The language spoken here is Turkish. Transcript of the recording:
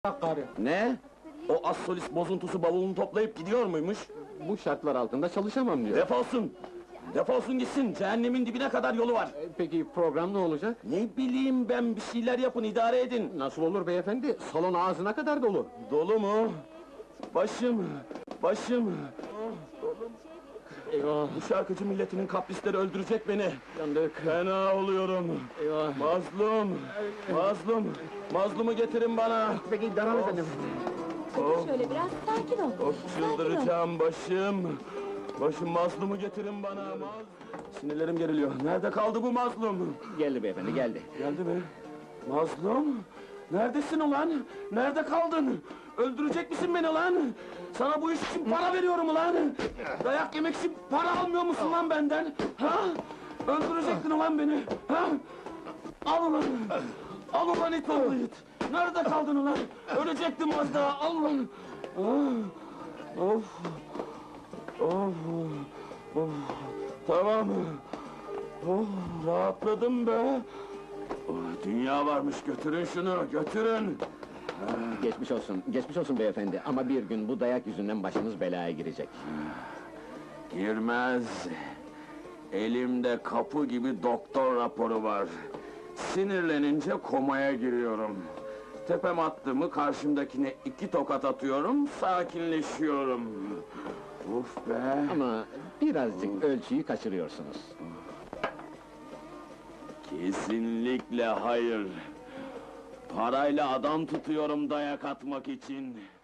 Karı. Ne? O az solist bozuntusu bavulunu toplayıp gidiyor muymuş? Bu şartlar altında çalışamam diyor. Defolsun! Defolsun gitsin, cehennemin dibine kadar yolu var! Peki program ne olacak? Ne bileyim ben, bir şeyler yapın, idare edin! Nasıl olur beyefendi? Salon ağzına kadar dolu. Dolu mu? Başım! Başım! Eyvah, Bu şarkıcı milletinin kaprisleri öldürecek beni! yandık. Fena oluyorum! Eyvah. Mazlum! Mazlum! Mazlumu getirin bana! Peki Daran efendim. Oh, Şöyle biraz sakin ol. of, Sakin ol. çıldıracağım başım! Başım, mazlumu getirin bana! Sinirlerim geriliyor, nerede kaldı bu mazlum? Geldi beyefendi, geldi. Geldi mi? Mazlum! Neredesin ulan? Nerede kaldın? Öldürecek misin beni lan? Sana bu iş için para veriyorum ulan! Dayak yemek için para almıyor musun lan benden? Ha? Öldürecektin ulan beni! Ha? Al ulan! Al ulan it oğlu it! Nerede kaldın ulan? Ölecektim az daha, al ulan! Ah! Of! Of! Of! Tamam! Oh, rahatladım be! Oh, dünya varmış, götürün şunu, götürün! Geçmiş olsun beyefendi. Ama bir gün bu dayak yüzünden başınız belaya girecek. Girmez! Elimde kapı gibi doktor raporu var. Sinirlenince komaya giriyorum. Tepem attı mı karşımdakine 2 tokat atıyorum, sakinleşiyorum. Uf be! Ama birazcık ölçüyü kaçırıyorsunuz. Kesinlikle hayır! Parayla adam tutuyorum dayak atmak için.